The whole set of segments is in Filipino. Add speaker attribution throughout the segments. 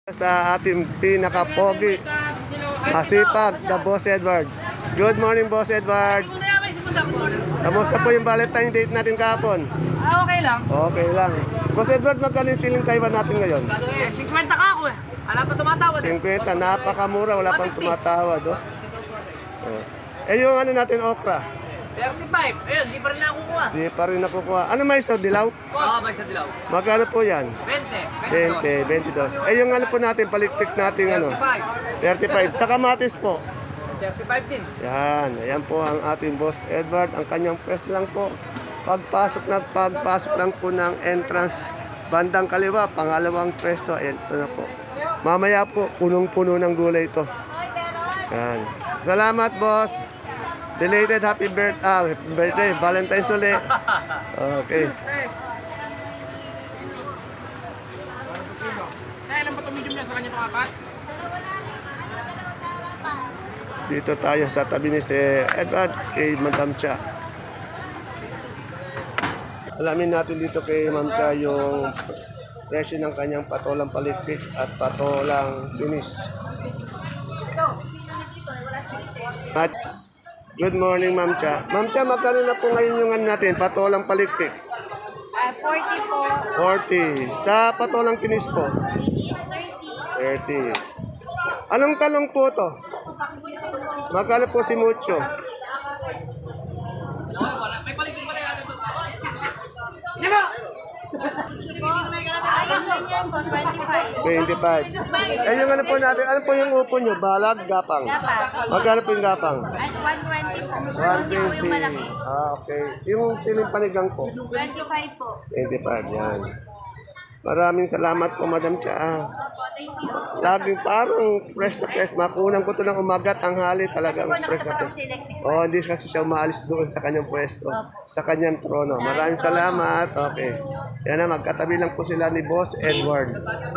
Speaker 1: Sa ating pinaka-pogi, masipag na Boss Edward. Good morning, Boss Edward. Kamusta po yung Valentine date natin kahapon?
Speaker 2: Okay lang.
Speaker 1: Okay lang. Boss Edward, magkano yung siling Taiwan natin ngayon?
Speaker 2: 50 ka ako eh. Wala pa tumatawad eh.
Speaker 1: 50, napakamura, wala pang tumatawad. Oh. Yung ano natin, okra?
Speaker 2: 35. Ayun, di pa rin nakukuha.
Speaker 1: Di pa rin nakukuha. Ano mais to, dilaw?
Speaker 2: Oo, may sa dilaw.
Speaker 1: Magkano po yan?
Speaker 2: 20.
Speaker 1: 22. Yung ano po natin, palikpik natin ano? 35. Sa kamatis po?
Speaker 2: 35 din.
Speaker 1: Yan, ayan po ang ating Boss Edward. Ang kanyang press lang po. Pagpasok lang po ng entrance, bandang kaliwa, pangalawang pwesto. Ayan, ito na po. Mamaya po, punong-puno ng gulay ito. Yan. Salamat, boss. Belated happy birthday, Valentine's ulit. Okay.
Speaker 2: Kailan ba tumigil niya sa kanya itong apat?
Speaker 1: Dito tayo sa tabi ni si Edward kay Madam Cha. Alamin natin dito kay Ma'am Cha yung presyo ng kanyang patolang palikpik at patolang finish. At good morning, Ma'am Cha. Ma'am Cha, magkano na po ngayon yung ano natin, patolang palikpik?
Speaker 3: 40 po.
Speaker 1: 40. Sa patolang finish po?
Speaker 3: Is 30.
Speaker 1: 30. Anong talong po to? Magkano po si Mucho?
Speaker 3: Ayun ganyan po, 25.
Speaker 1: 25. Yung ano po natin, ano po yung upo nyo? Balag, gapang?
Speaker 3: Dapat.
Speaker 1: Magkano po yung gapang?
Speaker 3: At 120 po. Kasi po yung malaki.
Speaker 1: 120. Okay. Yung siling panigang po?
Speaker 3: 25 po.
Speaker 1: 25, yan. Maraming salamat po, Madam Cha.
Speaker 3: Opo, thank you.
Speaker 1: Laging parang fresh na fresh. Makunan ko to ng umagat, tanghali, talagang fresh na fresh. Oh, hindi kasi siya umaalis doon sa kanyang pwesto, sa kanyang trono. Maraming salamat. Okay. Yan na, magkatabi lang po sila ni Boss Edward.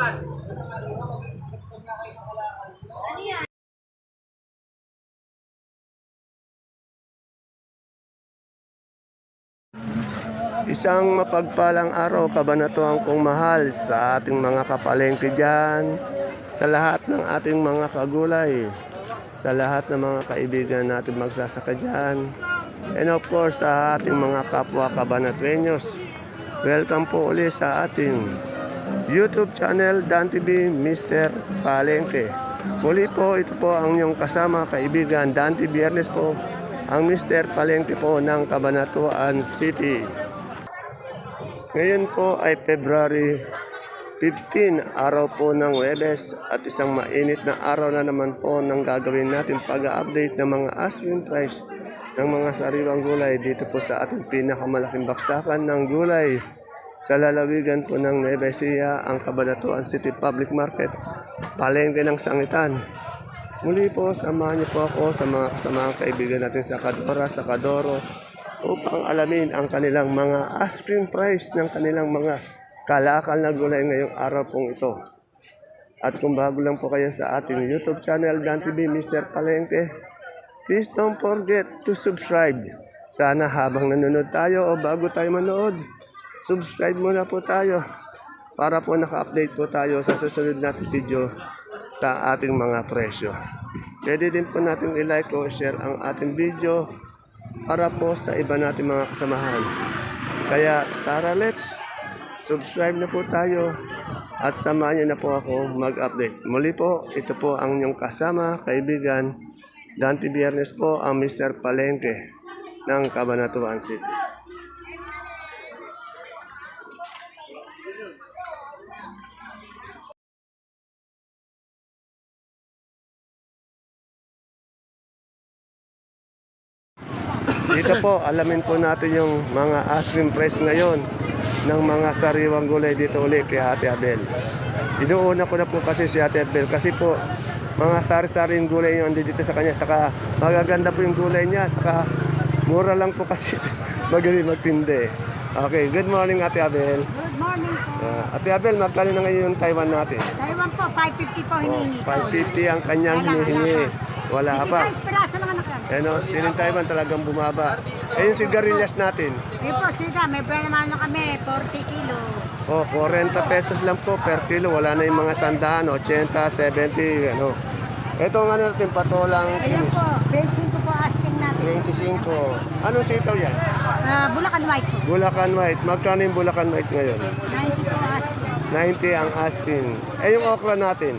Speaker 1: Isang mapagpalang araw, kabanatuan kong mahal sa ating mga kapalengke dyan, sa lahat ng ating mga kagulay, sa lahat ng mga kaibigan natin magsasaka dyan, and of course sa ating mga kapwa kabanatuenyos. Welcome po ulit sa ating YouTube channel, Dan TV Mr. Palengke. Muli po, ito po ang inyong kasama, kaibigan, Dan TV Biyernes po, ang Mr. Palengke po ng Cabanatuan City. Ngayon po ay February 15, araw po ng Huwebes at isang mainit na araw na naman po ng gagawin natin pag-update ng mga asking price ng mga sariwang gulay dito po sa ating pinakamalaking baksakan ng gulay sa lalawigan po ng Nueva Ecija, ang Cabanatuan City Public Market, palengke ng sangitan. Muli po, samahan niyo po ako sa mga kasamaang kaibigan natin sa Kadora, sa Kadoro, upang alamin ang kanilang mga asking price ng kanilang mga kalakal na gulay ngayong araw pong ito. At kung bago lang po kayo sa ating YouTube channel, Dan TV Mr. Palengke, please don't forget to subscribe. Sana habang nanonood tayo o bago tayo manood, subscribe muna po tayo para po naka-update po tayo sa susunod nating video sa ating mga presyo. Pwede din po natin i-like o share ang ating video para po sa iba natin mga kasamahan. Kaya tara, let's subscribe na po tayo at samahan niyo na po ako mag-update. Muli po, ito po ang inyong kasama, kaibigan, Dante Biyernes po, ang Mr. Palengke ng Cabanatuan City. Dito po, alamin po natin yung mga asking price ngayon ng mga sariwang gulay dito ulit kay Ate Abel. Inuuna ko na po kasi si Ate Abel kasi po mga sari-saring gulay yung dito sa kanya. Saka magaganda po yung gulay niya. Saka mura lang po kasi magaling magtindi. Okay, good morning Ate Abel.
Speaker 3: Good morning po.
Speaker 1: Ate Abel, magkano na ngayon yung Taiwan natin?
Speaker 3: Taiwan po, 550 po hinihingi ko.
Speaker 1: 550 ang kanyang hinihingi. Wala pa.
Speaker 3: 16 piraso lang anak yan.
Speaker 1: Ano, siling Taiwan talagang bumaba. Eh yung sigarilyas natin.
Speaker 3: Eh po, siga, may pwede naman na kami, 40 kilo.
Speaker 1: Oh, 40 pesos lang po per kilo. Wala na yung mga sandaan, 80, 70, ano. Ito ang ano natin, patolang
Speaker 3: Ayan po, 25 po asking natin.
Speaker 1: 25. Anong sitaw yan?
Speaker 3: Bulacan White po.
Speaker 1: Bulacan White. Magkano yung Bulacan White ngayon?
Speaker 3: 90 po asking.
Speaker 1: 90 ang asking. Eh, yung okra natin?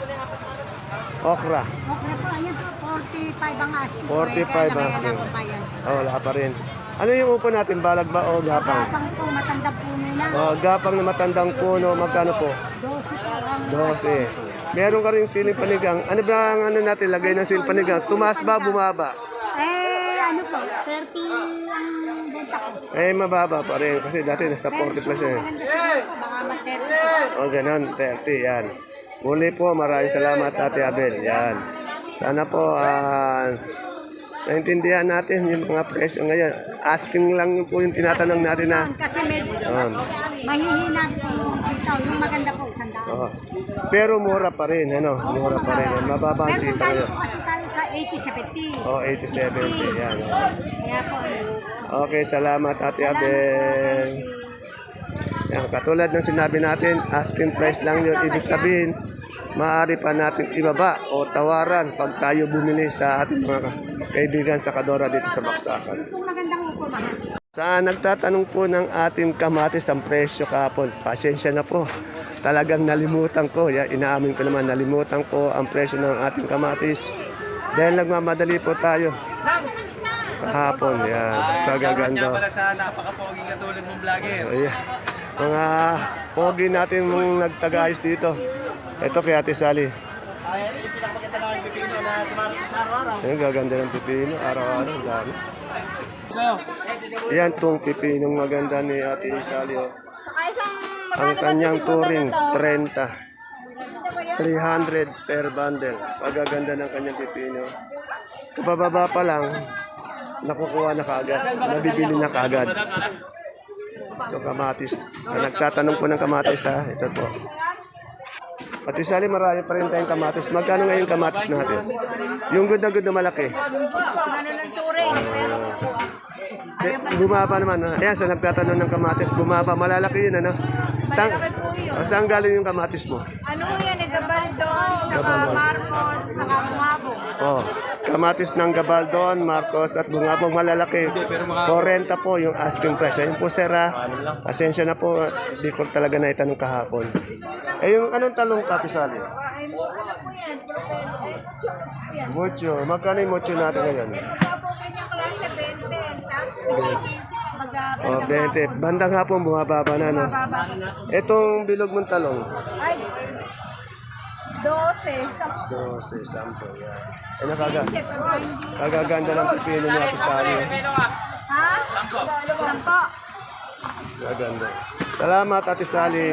Speaker 1: Okra.
Speaker 3: Okay po, ayan po, 45 ang asking.
Speaker 1: 45
Speaker 3: ang
Speaker 1: asking.
Speaker 3: asking.
Speaker 1: Oh, wala pa rin. Ano yung upo natin? Balag ba o gapang?
Speaker 3: Kapang po, matanda po muna.
Speaker 1: Oh, gapang na matandang puno. Magkano po?
Speaker 3: 12 po ang
Speaker 1: 12. Meron ka rin siling panigang. Ano ba ang ano natin? Lagay ng siling panigang. Tumaas ba, bumaba?
Speaker 3: Ano po, 30 ang benta ko.
Speaker 1: Eh, mababa pa rin. Kasi dati nasa 40 plus eh.
Speaker 3: Maganda siguro po, baka mag-30 po.
Speaker 1: O, ganun. 30. Yan. Muli po, maraming salamat, Ate Abel. Yan. Sana po, naintindihan natin yung mga presyo ngayon. Asking lang po yung tinatanong natin na.
Speaker 3: Kasi medyo mahihina po yung sitaw. Yung maganda po, 100.
Speaker 1: Oh. Pero mura pa rin, ano? Mura pa rin. Mababa ang
Speaker 3: Pero kung
Speaker 1: sitaw
Speaker 3: tayo
Speaker 1: ngayon.
Speaker 3: po kasi tayo sa 80-70.
Speaker 1: Oh, 80-70. Yan.
Speaker 3: Kaya po,
Speaker 1: Okay, salamat, Ate Abel. Yan, katulad ng sinabi natin, asking price lang yun. Ibig sabihin, maaari pa natin ibaba o tawaran pag tayo bumili sa ating mga kaibigan sa Kadora dito sa Baksakan.
Speaker 3: kung magandang upo, mahal.
Speaker 1: Sa nagtatanong po ng ating kamatis ang presyo kahapon, pasensya na po. Talagang nalimutan ko, inaamin ko naman, nalimutan ko ang presyo ng ating kamatis. Dahil nagmamadali po tayo. Kahapon, yan. Kagaganda.
Speaker 2: Para sa napaka-poging katulad mong vlogger.
Speaker 1: Ayan. Mga pogi natin mong nagtagayos dito. Ito kay Ate Sally.
Speaker 2: Ayan, yung pinakamaganda na yung pipino na tumarating sa araw-araw.
Speaker 1: Ayan, gaganda ng pipino. Araw-araw, ang dami.
Speaker 2: So,
Speaker 1: Yan, tong pipinong maganda ni Ate Sally. Oh.
Speaker 3: Saka isang
Speaker 1: Ang kanyang turing, 30. 300 per bundle. Pagaganda ng kanyang pipino. Kabababa pa lang, nakukuha na kaagad. Nabibili na kaagad. Ito kamatis. Nagtatanong po ng kamatis ha. Ito po. Ate Sally, marami pa rin tayong kamatis. Magkano ngayon kamatis natin? Yung good na malaki.
Speaker 3: ano ng turing, pero
Speaker 1: Bumaba naman. Ayan, sa nagtatanong ng kamatis, bumaba. Malalaki yun, ano? Saan galing yung kamatis mo?
Speaker 3: ano yan, Gabaldon, saka Marcos, saka Bungabong.
Speaker 1: Oh, kamatis ng Gabaldon, Marcos at Bungabong malalaki. 40 po yung asking price. Ayun po sir pasensya na po, di ko talaga na itanong kahapon. Eh yung anong talong kapisali?
Speaker 3: Ay, ano po yan, mucho yan.
Speaker 1: Mucho. Magkano yung mucho natin ngayon?
Speaker 3: Kaya po kanyang klase, 20, tapos 15,
Speaker 1: Oh, 20. Bandang hapon bumababa na, no?
Speaker 3: baba.
Speaker 1: Itong bilog mong talong.
Speaker 3: Ay, 12, sa
Speaker 1: 12, 10. Yan. Eh,
Speaker 3: pero hindi.
Speaker 1: kagaganda ng pipino niya kapisali.
Speaker 3: Ha? Sampo.
Speaker 1: Kaganda. Salamat, Ate Sally.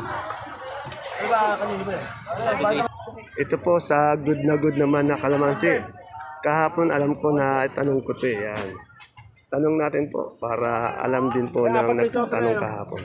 Speaker 1: Ito po sa good naman na kalamansi. Kahapon alam ko na tanong ko ito eh. Yan. Tanong natin po para alam din po ng nagtatanong kahapon.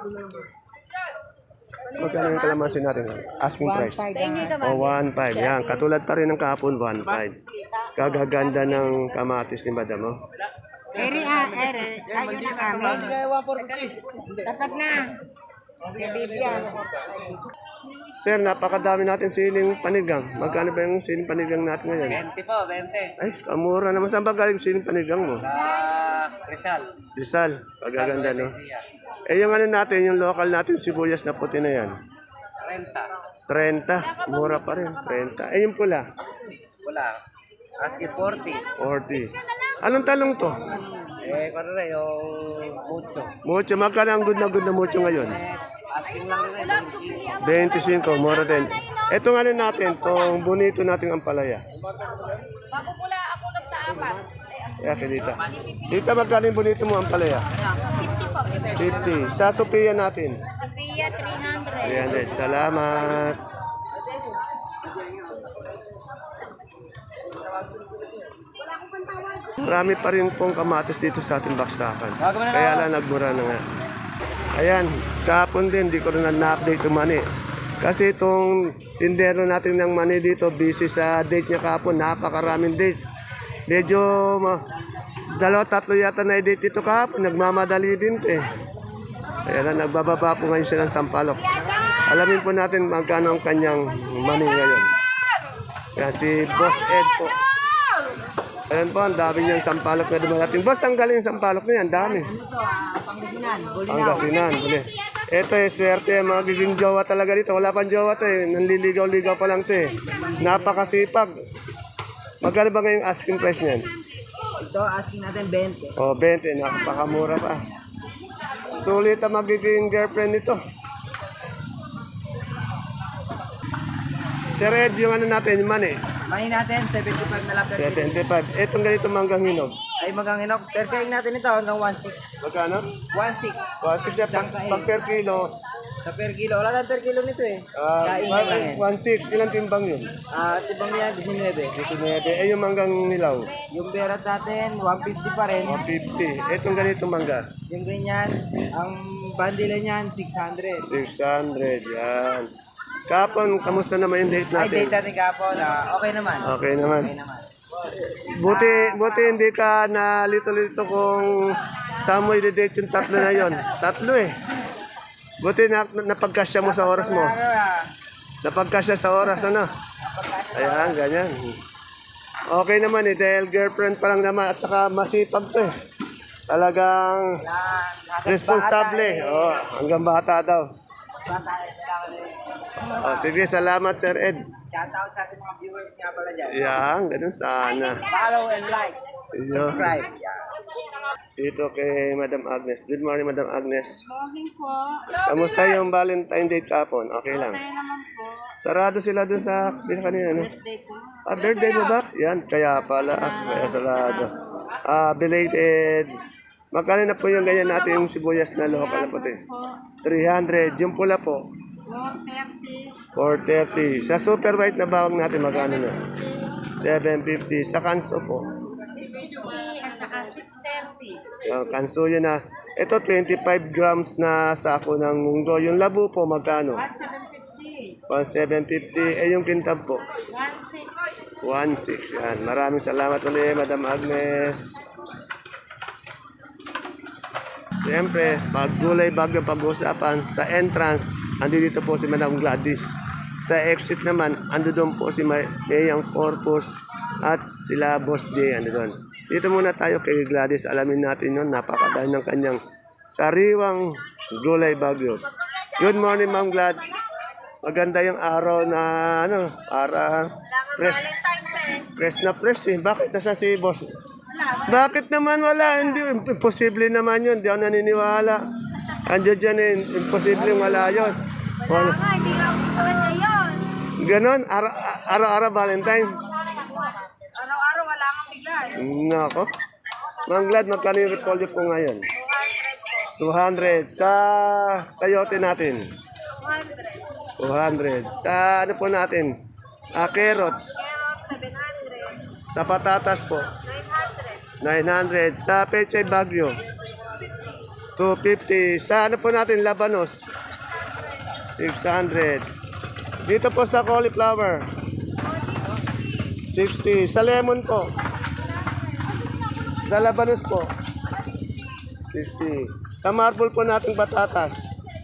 Speaker 1: Magkano yung kalamansi natin? Asking price. O 1.5. Yan. Katulad pa rin ng kahapon, 1.5. Kagaganda ng kamatis ni Madam. Oh.
Speaker 3: Ere, ayun na kami. Dapat na. Bibigyan.
Speaker 1: Sir, napakadami natin siling panigang. Magkano ba yung siling panigang natin ngayon?
Speaker 2: 20 po, 20.
Speaker 1: Ay, kamura naman. Saan ba galing siling panigang mo?
Speaker 2: Rizal.
Speaker 1: Rizal, pagaganda no? Eh yung ano natin, yung local natin, sibuyas na puti na yan.
Speaker 2: 30.
Speaker 1: 30, mura pa rin, 30. Eh yung pula,
Speaker 2: Wala. Asking 40.
Speaker 1: 40. Anong talong to?
Speaker 2: Kung rin yung mucho.
Speaker 1: Mucho, magkano ang good na mucho ngayon?
Speaker 2: Asking lang rin.
Speaker 1: 25, mura din. Etong ano natin, tong bonito nating ampalaya.
Speaker 3: Mapupula ako lang sa 4.
Speaker 1: Kaya dito. Dito magkano yung bonito mo ampalaya?
Speaker 3: 50 po.
Speaker 1: 50. Sa Sophia natin.
Speaker 3: Sophia, 300.
Speaker 1: 300. Salamat. Marami pa rin pong kamatis dito sa ating baksakan. Kaya lang nagmura na nga. Ayan, kahapon din, di ko rin na-update yung mani. Kasi itong tindero natin ng mani dito, busy sa date niya kahapon, napakaraming date. Medyo, 2-3 yata na date dito kahapon, nagmamadali din eh. Ayan na, nagbababa po ngayon siya ng sampalok. Alamin po natin magkano ang kanyang money ngayon. Yan, si Boss Ed po. Ayan po, ang dami niyang sampalok na dumarating. Boss, ang galing yung sampalok na yan, dami. Pangasinan, buli. Ito eh, swerte, magiging jowa talaga dito. Wala pang jowa to eh, nanliligaw-ligaw pa lang to eh. Napakasipag. Magkano ba ngayong asking price niyan?
Speaker 2: Ito, asking natin 20.
Speaker 1: O, 20, napakamura pa. Sulit ang magiging girlfriend nito. Sir Ed, yung ano natin, yung money.
Speaker 2: Money natin, 75 na lang per kilo.
Speaker 1: 75. Etong ganito manggang hinog.
Speaker 2: Ay maganginok. Per kilo natin ito hanggang 1.6.
Speaker 1: Magkano?
Speaker 2: 1.6.
Speaker 1: 1.6 pag per kilo.
Speaker 2: Sa per kilo. Wala tayong per kilo nito eh. Kain na lang eh.
Speaker 1: 1.6. Ilang timbang yun?
Speaker 2: Tibang yan, 19.
Speaker 1: 19. Eh, yung manggang nilaw.
Speaker 2: Yung berat natin, 150 pa rin.
Speaker 1: 150. Etong ganito mangga.
Speaker 2: Yung ganyan, ang bundle niyan, 600.
Speaker 1: 600. Yan. Kapon, kamusta naman yung date
Speaker 2: Ay,
Speaker 1: natin?
Speaker 2: date natin kapon. Okay naman.
Speaker 1: Okay naman.
Speaker 2: Okay naman.
Speaker 1: Buti hindi ka na lito-lito kung saan mo i-date yung tatlo na yon. Tatlo eh. Buti napagkasya mo sa oras mo. Napagkasya sa oras, ano? Ayan, ganyan. Okay naman eh, dahil girlfriend pa lang naman at saka masipag to eh. Talagang responsable. Oh, hanggang bata daw. Oh, sige, salamat Sir Ed.
Speaker 2: Shoutout sa ating mga viewers nga pala dyan.
Speaker 1: Yan, ganun sana.
Speaker 2: Follow and like.
Speaker 1: Iyo.
Speaker 2: Subscribe. Yeah.
Speaker 1: Dito kay Madam Agnes. Good morning, Madam Agnes.
Speaker 3: Morning po.
Speaker 1: Kamusta yung Valentine Day kapon? Okay lang.
Speaker 3: Kaya naman po.
Speaker 1: Sarado sila dun sa kanina, no?
Speaker 3: Birthday ko.
Speaker 1: Ah, birthday mo ba? Yan, kaya pala. Kaya sarado. Belated. Magkano na po yung ganyan natin yung sibuyas na local na puti? 300. Yung pula po?
Speaker 3: 430.
Speaker 1: 430. Sa super white na bawang natin, magkano na? 750. Sa kanso po?
Speaker 3: 650 at saka 630.
Speaker 1: Yung kanso yun na. Ito, 25 grams na sako ng munggo. Yung labo po, magkano?
Speaker 3: 1750.
Speaker 1: 1,750. Eh, yung kintab po?
Speaker 3: 16.
Speaker 1: 1,600. Yan. Maraming salamat ulit, Madam Agnes. Siyempre, pag gulay bagyo pag-uusapan, sa entrance, andi dito po si Madam Gladys. Sa exit naman, ando doon po si Mayang Corpus at sila Boss J. Ando doon. Dito muna tayo kay Gladys. Alamin natin yun, napakadami ng kanyang sariwang gulay bagyo. Good morning, Ma'am Glad. Maganda yung araw na, ano, para fresh. Fresh na fresh eh. Bakit nasa si Boss? Bakit naman wala? Hindi, imposible naman yun. Hindi ako naniniwala. Andiyan dyan eh, imposible wala yun. Wala.
Speaker 3: Hindi nga ako sa kanya yun.
Speaker 1: Ganon, araw-araw Valentine.
Speaker 3: Araw-araw wala kang bigay.
Speaker 1: Nako. Ma'am Glad, magkano yung repolyo po ngayon? 200. Sa sayote natin? 200. Sa ano po natin? Carrots.
Speaker 3: Carrot, 700.
Speaker 1: Sa patatas po?
Speaker 3: 900.
Speaker 1: 900. Sa pechay bagyo? 250. Sa ano po natin? Labanos? 600. Dito po sa cauliflower? 60. Sa lemon po? Sa labanos po? 60. Sa marble po natin patatas?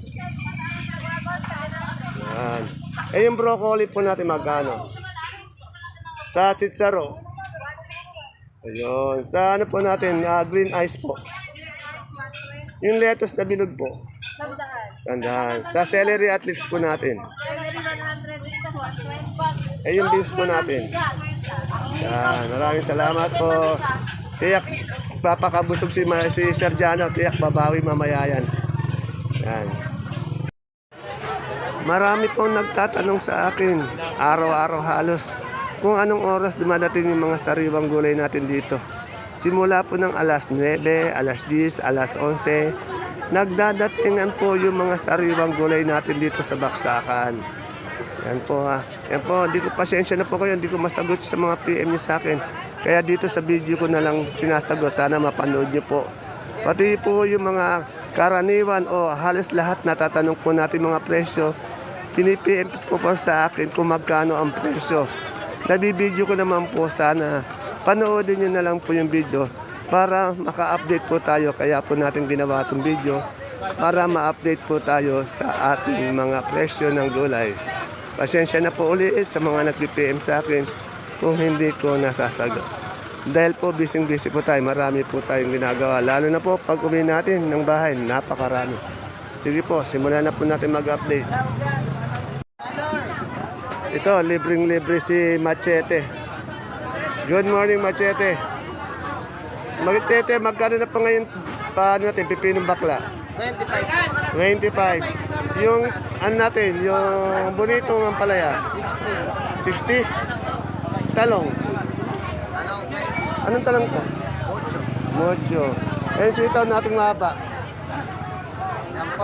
Speaker 1: Yan. Eh yung broccoli po natin magkano? Sa sitsaro? Ayun. Sa ano po natin? Green ice po? Yung lettuce na bilog po? Tandaan. Sa celery at leeks po natin? Eh yung beans po natin? Yan. Maraming salamat po. Tiyak, papakabusog si Sir Jano. Tiyak, babawi mamaya yan. Yan. Marami pong nagtatanong sa akin, araw-araw halos, kung anong oras dumadating yung mga sariwang gulay natin dito. Simula po ng alas 9, alas 10, alas 11, nagdadatingan po yung mga sariwang gulay natin dito sa Baksakan. Yan po ha. Yan po, hindi ko pasensya na po kayo, hindi ko masagot sa mga PM nyo sa akin. Kaya dito sa video ko na lang sinasagot, sana mapanood nyo po. Pati po yung mga karaniwan o halos lahat natatanong po natin mga presyo, pinipm po po sa akin kung magkano ang presyo. Nabibideo ko naman po, sana panoodin nyo na lang po yung video para maka-update po tayo. Kaya po natin ginawa itong video para ma-update po tayo sa ating mga presyo ng gulay. Pasensya na po ulit sa mga nag-PM sa akin kung hindi ko nasasagot. Dahil po busy po tayo, marami po tayong ginagawa. Lalo na po pag uwi natin ng bahay, napakarami. Sige po, simulan na po natin mag-update. Ito, libreng-libre si Machete. Good morning, Machete. Machete, magkano na pa ngayon paano natin, pipinong bakla? 25. Yung, ano natin, yung bonito ng palaya? 60. Talong? Anong talong to? Mocho. Eh, sitaw nating mahaba?
Speaker 2: Yan po,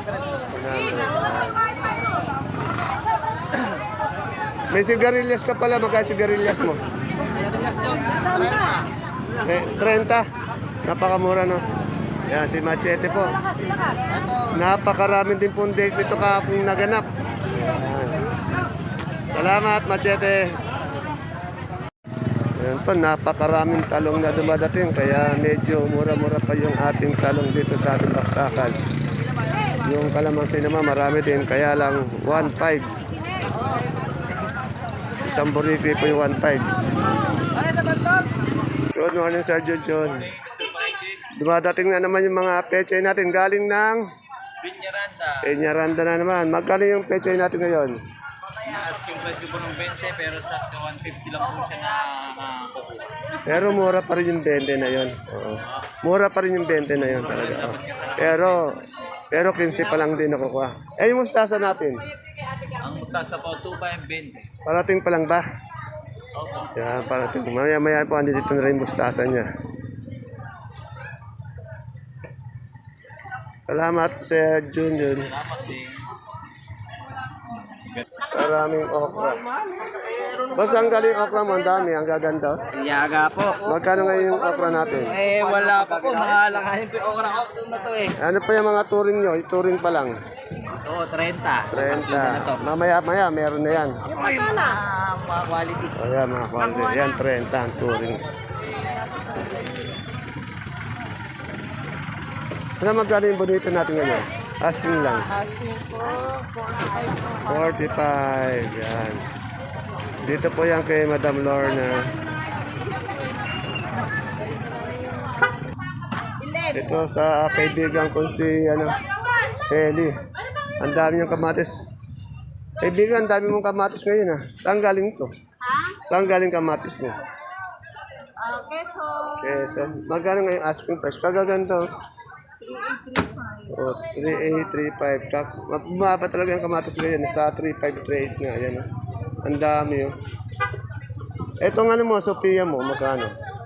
Speaker 2: 100.
Speaker 1: May sigarilyas ka pala, magkano sigarilyas mo?
Speaker 2: Pinabigas po,
Speaker 1: 30. Napakamura, no? Yan, si Machete po. Napakaraming din pong date nito kahapong naganap. Yan. Salamat, Machete. Yan po, napakaraming talong na dumadating. Kaya medyo mura-mura pa yung ating talong dito sa ating baksakan. Yung kalamansi naman marami din. Kaya lang 1.5. Isang buriki po yung 1.5. Good morning, Sir John. Dumadating na naman yung mga pechay natin galing ng Peñaranda na naman. Magkano yung pechay natin ngayon?
Speaker 2: Yung presyo po ng 20 pero sa 150 lang po siya na kukuha.
Speaker 1: Pero mura pa rin yung 20 na yon. Oo. Mura pa rin yung 20 na yon talaga. Oo. Pero 15 pa lang din nakukuha. Eh yung mustasa natin?
Speaker 2: Ang mustasa po 2.20.
Speaker 1: Parating pa lang ba?
Speaker 2: Opo.
Speaker 1: Yan, parating. Maya-maya po, andito na rin yung mustasa niya. Salamat, Sir Junior.
Speaker 2: Salamat din.
Speaker 1: Maraming okra. Basta ang galing okra mo, ang dami, ang gaganda.
Speaker 2: Yaga po.
Speaker 1: Magkano ngayon yung okra natin?
Speaker 2: Eh, wala pa po. Mahalangahin po yung okra ko na to eh.
Speaker 1: Ano pa yung mga turing nyo? Turing pa lang.
Speaker 2: Oo, 30.
Speaker 1: 30. Mamaya-maya, meron na yan.
Speaker 2: Mga quality.
Speaker 1: O yan, mga kwante. Yan, 30 ang turing. Ano magkano yung bonito natin ngayon? Asking lang.
Speaker 3: Asking po,
Speaker 1: 45. Yan. Dito po yan kay Madam Lorna. Ito sa kaibigan ko si Eli. Ang dami yung kamatis. Kaibigan, ang dami mong kamatis ngayon Saan galing to? Saan galing kamatis mo?
Speaker 3: Keso,
Speaker 1: So, magkano ngayon asking price? Kagaganto.
Speaker 3: 3835.
Speaker 1: Oh, 3835. Bumaba talaga yung kamatis ngayon. Nasa 3538 nga. Yan, Ang dami Etong ano mo, Sophia mo, magkano?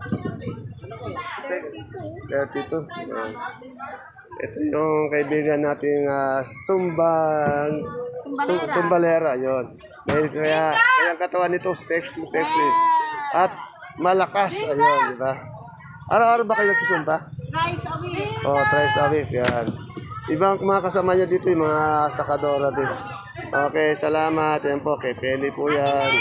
Speaker 1: 32. Yan. Ito yung kaibigan nating Sumbalera. Yon. Kaya ang katawan nito, sexy. At malakas. Ayun, di ba? Araw-araw ba kayo nagsusumba?
Speaker 3: Rice a week.
Speaker 1: Oh, thrice a week, yan. Ibang mga kasama niya dito, yung mga sakadora din. Okay, salamat. Yan po, kay Peli po yan.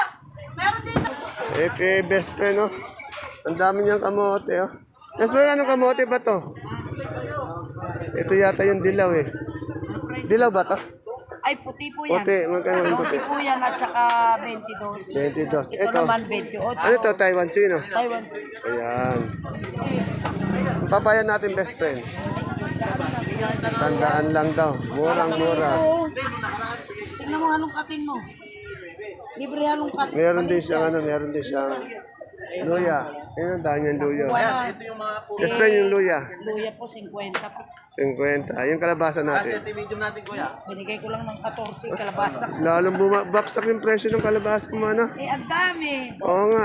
Speaker 1: Kay best friend, Ang dami niyang kamote, Best friend, anong kamote ba to? Ito yata yung dilaw, Dilaw ba to?
Speaker 3: Ay, puti po yan.
Speaker 1: Puti, magkano yung puti?
Speaker 3: Puti po yan at saka 22.
Speaker 1: 22.
Speaker 3: Ito
Speaker 1: Ito.
Speaker 3: naman 28.
Speaker 1: Ano to, Taiwan sino?
Speaker 3: Taiwan.
Speaker 1: Ayan. Papaya natin, best friend. Tandaan lang daw. Murang-mura.
Speaker 3: Tingnan mo anong katin mo. Libre anong katin.
Speaker 1: Meron din siyang luya. Ayun, ang dami yung luya. Best friend yung luya.
Speaker 3: Luya po, 50 po.
Speaker 1: 50. Yung kalabasa natin.
Speaker 3: Binigay ko lang ng 14 kalabasa.
Speaker 1: Lalong bumabaksak yung presyo ng kalabasa mo,
Speaker 3: Eh, ang dami.
Speaker 1: Oo nga,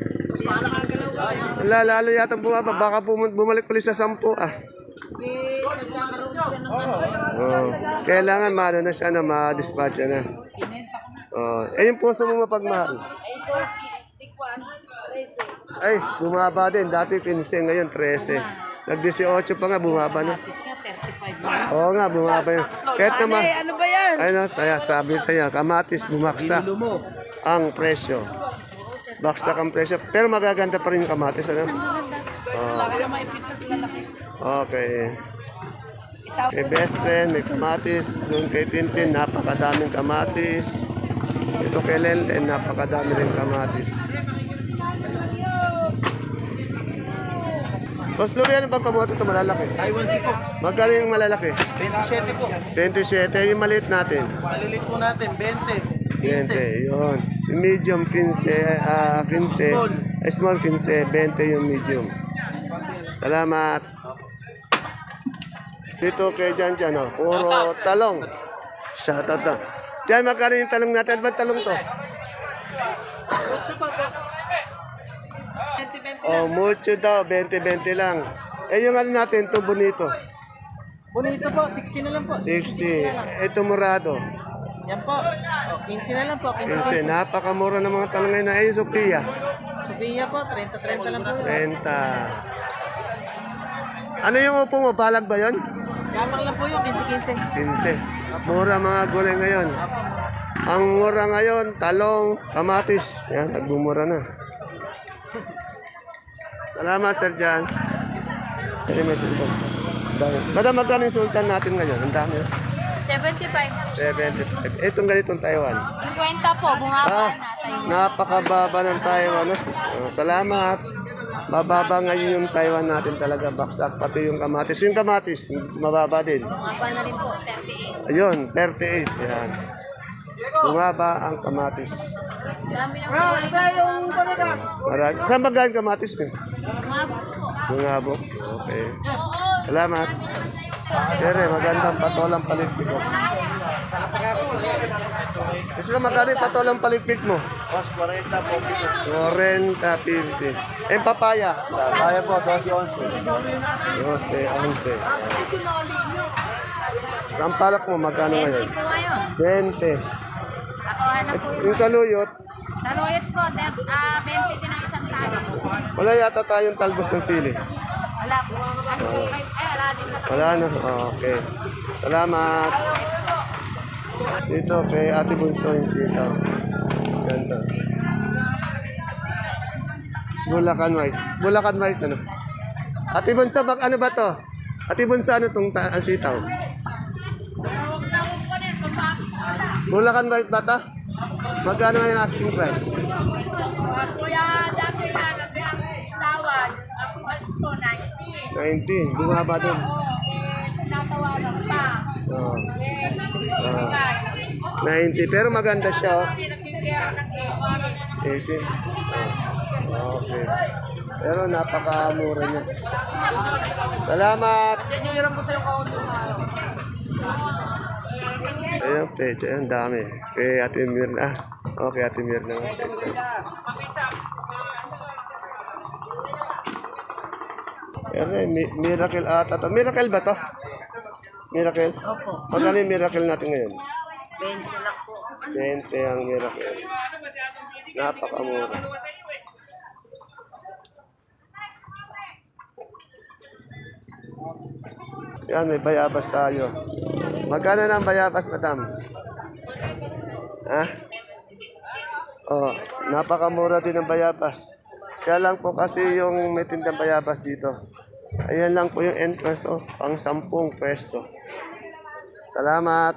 Speaker 1: Lalo yata bumaba. Baka bumalik ulit sa 10,
Speaker 3: Eh, nagkakaroon siya ng
Speaker 1: Oh. Kailangan na siya ma-dispatch na.
Speaker 3: Pinenta ko na.
Speaker 1: Oh. Yung puso mo mapagmahal.
Speaker 3: Ay, so, tikwan, 13.
Speaker 1: Ay, bumaba din. Dati 15, ngayon 13. Nag-18 pa nga, bumaba na.
Speaker 3: Tapos nga, 35 na.
Speaker 1: Oo nga, bumaba yun. Kahit naman,
Speaker 3: Ano ba yan?
Speaker 1: kaya sabi sa'yo, kamatis, bumaksak ang presyo. Baksak ang presyo. Pero magaganda pa rin yung kamatis,
Speaker 3: Laki na maipitas lalaki.
Speaker 1: Okay.
Speaker 3: Ito
Speaker 1: Kay best friend, may kamatis. Doon kay Tintin, napakadaming kamatis. Ito kay Lenten, napakadami rin kamatis. Boss Louie, ano bang kamote ito malalaki?
Speaker 4: Taiwan si po.
Speaker 1: Magkano yung malalaki?
Speaker 4: 27 po.
Speaker 1: 27, yung maliit natin.
Speaker 4: Malilit po natin, 20.
Speaker 1: 20, yun. Yung medium, 15, 15. Small, 15, 20 yung medium. Salamat. Dito kay Jan, oh. Puro talong. Shout out na. Jan, magkano yung talong natin? Ba't talong to? Oh, mucho daw, 20-20 lang. Eh, yung ano natin, ito bonito.
Speaker 4: Bonito po, 60 na lang po.
Speaker 1: 60. Ito morado.
Speaker 4: Yan po. O, 15 na lang po. 15
Speaker 1: Kasi napakamura ng mga talong ngayon. Ay, Sophia.
Speaker 4: Sophia po, 30-30 lang po.
Speaker 1: 30. Ano yung upo mo? Balag ba yon?
Speaker 4: Gapang lang po yung 15-15.
Speaker 1: 15. Mura mga gulay ngayon. Ang mura ngayon, talong, kamatis. Yan, nagbumura na. Salamat, Sir Jan. Ay, may sultan. Dami. Madam, magkano yung sultan natin ngayon? Ang dami.
Speaker 5: 75.
Speaker 1: 75. Itong ganitong Taiwan.
Speaker 5: 50 po, bungaba na tayo.
Speaker 1: Napakababa ng Taiwan. Oh, salamat. Mababa ngayon yung Taiwan natin talaga. Baksak. Pati yung kamatis. Yung kamatis, mababa din.
Speaker 5: Bungaba na rin po, 38.
Speaker 1: Ayun, 38. Yan. Bumaba ang kamatis.
Speaker 5: Dami na po.
Speaker 1: Marami. Saan ba galing kamatis niyo?
Speaker 5: Bungaba po.
Speaker 1: Bungabo. Okay. Salamat. Sere, magandang patolang paligpik ko. Kasi magkano yung patolang paligpik mo?
Speaker 4: Mas 40 po.
Speaker 1: 40, 50. Eh, papaya?
Speaker 4: Kaya po, 12-11.
Speaker 1: 11. Sampalak mo, magkano ngayon?
Speaker 3: Po ngayon.
Speaker 1: 20.
Speaker 3: Ako hanap po.
Speaker 1: Yung saluyot,
Speaker 3: Sa Loyot po, 20 din ang isang tali.
Speaker 1: wala yata tayong talbos ng sili.
Speaker 3: Wala po. Ano po kayo? Wala din na.
Speaker 1: Wala na. Oh, okay. Salamat. Dito kay Ate Bunso yung sitaw. Ganda. Bulacan White. Bulacan White ano? Ate Bunso, ano ba to? Ate Bunso, ano tong ang sitaw? Bulacan White ba to? Magkano nga yung asking price?
Speaker 3: Kuya, dati na tawad. Ako po, 90.
Speaker 1: 90. Bumaba din.
Speaker 3: Natawaran pa.
Speaker 1: Oh. 90. Pero maganda siya. Oh.
Speaker 3: Pinagkikira ng
Speaker 1: 18. Okay. Pero napakamura niya. Salamat. Ayun, pecha. Ayun, dami. Kay Ate Mirna. Okay, Ate Mirna. Pecha. Pero miracle ata to. Miracle ba to? Miracle? Opo. Magkano yung miracle natin ngayon?
Speaker 3: 20 lang po.
Speaker 1: 20 ang miracle. Napakamura. Yan, may bayabas tayo. Magkano na ang bayabas, madam? Ha? Oh, napakamura din ang bayabas. Siya lang po kasi yung may tindang bayabas dito. Ayan lang po yung entrance, oh, pang 10 pwesto. Salamat.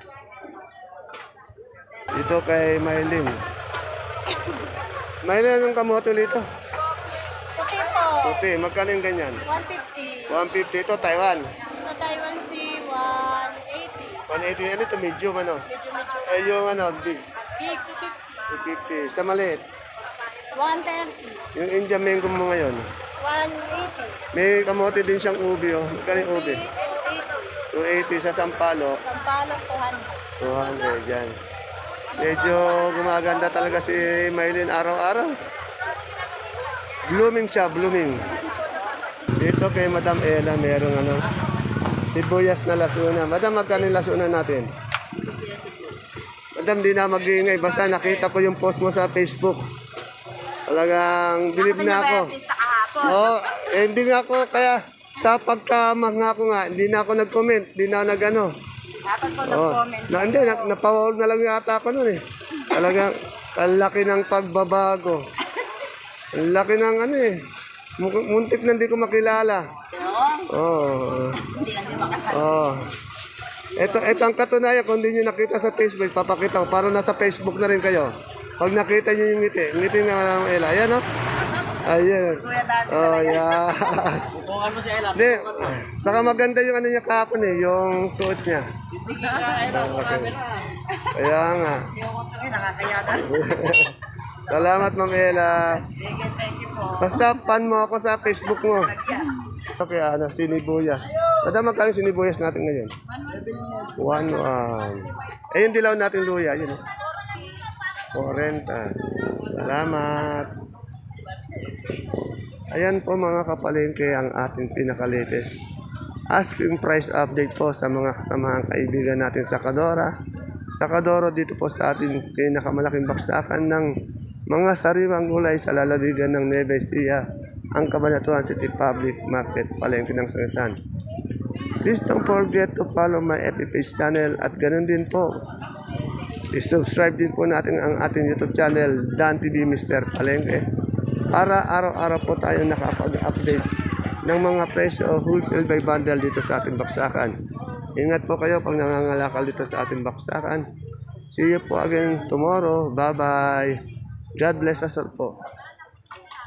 Speaker 1: Dito kay Maylin. Maylin, anong kamote dito?
Speaker 3: Puti po.
Speaker 1: Puti, magkano yung ganyan?
Speaker 3: 150.
Speaker 1: 150 ito, Taiwan.
Speaker 3: Sa Taiwan Sea, 180.
Speaker 1: 180, ano ito, medium, ano?
Speaker 3: Medyo.
Speaker 1: Ay, yung ano, big.
Speaker 3: Big,
Speaker 1: 250.
Speaker 3: 250.
Speaker 1: Sa maliit.
Speaker 3: 130.
Speaker 1: Yung Indian mango mo ngayon.
Speaker 3: 180.
Speaker 1: May kamote din siyang ubi, oh. Magkano yung ubi?
Speaker 3: 280.
Speaker 1: 280 sa Sampaloc.
Speaker 3: Sampalok, 200.
Speaker 1: 200, yan. Medyo gumaganda talaga si Maylin araw-araw. Blooming siya, blooming. Dito kay Madam Ella, merong ano, sibuyas na lasuna. Madam, magkano yung lasuna natin? Madam, di na mag-iingay. Basta nakita ko yung post mo sa Facebook. Talagang believe na ako. Oo, hindi nga ako, kaya sa pagkamangako nga, hindi na ako nag-comment, hindi na ako nag-ano.
Speaker 3: Dapat po
Speaker 1: Oh, hindi, napawal na lang yata ako nun eh. Talagang, ang laki ng pagbabago. Ang laki ng ano eh. Muntik na hindi ko makilala. Oh. Oh. Ito ang katunayan, kung hindi nyo nakita sa Facebook, papakita ko. Para nasa Facebook na rin kayo. Pag nakita nyo yung ngiti nga Ella. Ayan, no? Ayan. Oh, yeah.
Speaker 4: Kung ano si Ella.
Speaker 1: Hindi, saka maganda yung ano niya kahapon eh, yung suot niya. Okay. Kaya nga. Salamat, Ma'am Ella. Basta pan mo ako sa Facebook mo. Okay, sinibuyas. Madam, magkano yung sinibuyas natin ngayon? 1. Yung dilaw natin luya, yun. 40. Salamat. Ayan po mga kapalengke ang ating pinaka-latest asking price update po sa mga kasamahang kaibigan natin sa Kadora. Sa Kadoro dito po sa ating pinakamalaking baksakan ng mga sariwang gulay sa lalawigan ng Nueva Ecija, ang Cabanatuan City Public Market, Palengke ng Sangitan. Please don't forget to follow my FB page channel at ganun din po. I-subscribe din po natin ang ating YouTube channel, Dan TV Mr. Palengke, para araw-araw po tayo nakapag-update ng mga presyo o wholesale by bundle dito sa ating baksakan. Ingat po kayo pag nangangalakal dito sa ating baksakan. See you po again tomorrow. Bye-bye. God bless us all po.